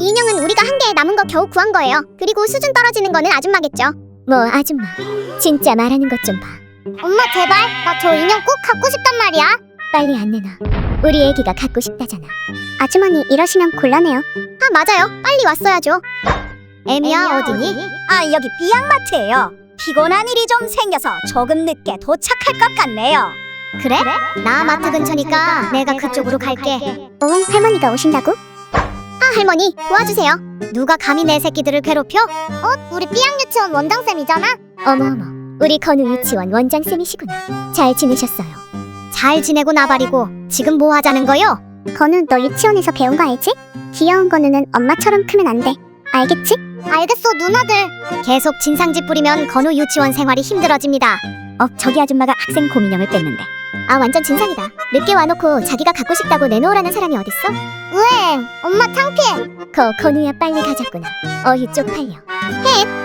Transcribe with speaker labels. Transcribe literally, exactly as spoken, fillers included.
Speaker 1: 인형은 우리가 한 개 남은 거 겨우 구한 거예요. 그리고 수준 떨어지는 거는 아줌마겠죠.
Speaker 2: 뭐 아줌마, 진짜 말하는 것 좀 봐.
Speaker 1: 엄마 제발, 나 저 인형 꼭 갖고 싶단 말이야.
Speaker 2: 빨리 안 내놔. 우리 애기가 갖고 싶다잖아.
Speaker 1: 아주머니 이러시면 곤란해요. 아 맞아요, 빨리 왔어야죠. 애미야 어디니?
Speaker 3: 아, 여기 비양마트예요. 피곤한 일이 좀 생겨서 조금 늦게 도착할 것 같네요.
Speaker 1: 그래? 나 마트 근처니까 내가 그쪽으로 갈게.
Speaker 2: 어, 할머니가 오신다고?
Speaker 1: 아 할머니 도와주세요. 누가 감히 내 새끼들을 괴롭혀? 어? 우리 삐양 유치원 원장쌤이잖아?
Speaker 2: 어머 어머, 우리 건우 유치원 원장쌤이시구나. 잘 지내셨어요?
Speaker 1: 잘 지내고 나발이고 지금 뭐 하자는 거요?
Speaker 2: 건우, 너 유치원에서 배운 거 알지? 귀여운 건우는 엄마처럼 크면 안 돼. 알겠지?
Speaker 1: 알겠어 누나들. 계속 진상짓 부리면 건우 유치원 생활이 힘들어집니다.
Speaker 2: 어, 저기 아줌마가 학생 곰인형을 뺐는데. 아, 완전 진상이다. 늦게 와놓고 자기가 갖고 싶다고 내놓으라는 사람이 어딨어?
Speaker 1: 으엥 엄마 창피해.
Speaker 2: 거 건우야, 빨리 가자꾸나. 어휴 쪽팔려.
Speaker 1: 헥